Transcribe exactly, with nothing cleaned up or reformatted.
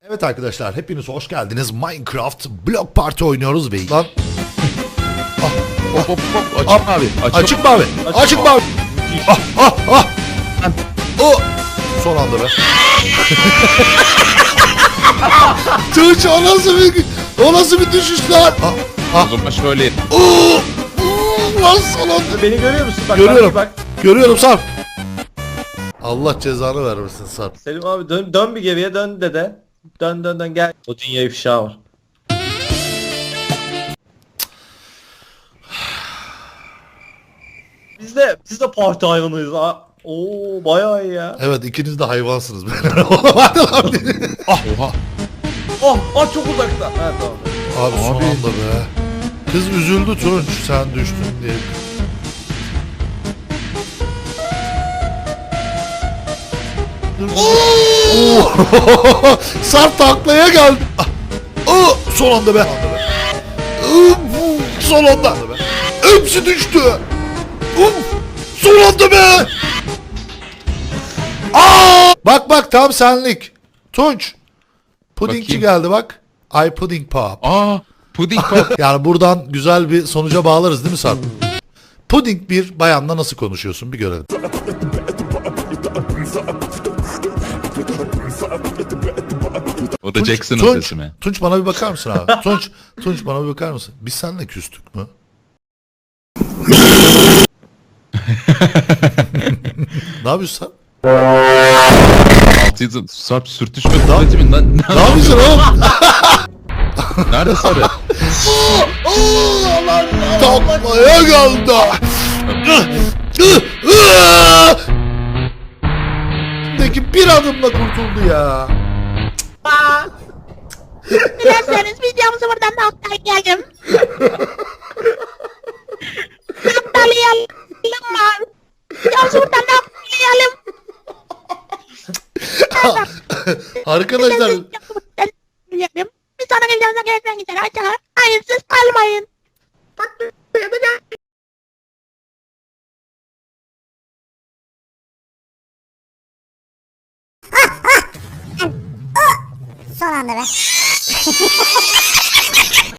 Evet arkadaşlar, hepiniz hoş geldiniz. Minecraft Block Party oynuyoruz ve... Lan... Ah, Hop hop hop. Açık ah, mavi. açık mavi. Açık Açık mavi. Ah ah ah. O. Son anda be. Tuğç, o nasıl bir... O nasıl bir düşüş lan? Ah ah. O zaman şöyle. Oo. Oo, lan son anda. Beni görüyor musun? Bak, Görüyorum. Bak, bak. Görüyorum Sarp. Allah cezanı vermesin Sarp. Selim abi dön, dön bir geriye dön dede. Dön dön dön gel. O dünya ifşa var. Biz de biz de parti hayvanıyız ha. Oo bayağı iyi ya. Evet, ikiniz de hayvansınız. Hadi lan. Ah oha. Oh, oh çok uzakta. Ha tamam. Abi son Abi. anda be. Kız üzüldü Tunç, sen düştün diye. Oo! Sarp taklaya geldi. Ah! Oh! Son anda be. Oh! Son anda. Hepsi düştü. Oh! Son anda be. Aa! Bak bak, tam senlik. Tunç. Pudingçi Bakayım. geldi bak. I pudding pop. Aa. Puding pop. Yani buradan güzel bir sonuca bağlarız değil mi Sarp? Puding bir bayanla nasıl konuşuyorsun, bir görelim. O da Jackson'ın Tunç, sesi mi? Tunç bana bir bakar mısın abi? Tunç, Tunç bana bir bakar mısın? Biz seninle küstük mü? Ne yapıyorsun sen? Altıydı. Sarp sürtüşme kuvveti mi lan? Ne yapıyorsun oğlum? Nerede sarı? Taklaya geldi. Peki bir adımla kurtuldu ya. Dilerseniz videomuzu buradan noktalayalım. Noktalayalım mı? Videomuzu buradan noktalayalım. Arkadaşlar, Videomuzu buradan noktalayalım. Bir sonraki videomuza görüşmek üzere. Hoşçakalın. Hayırsız kalmayın. Son anda be.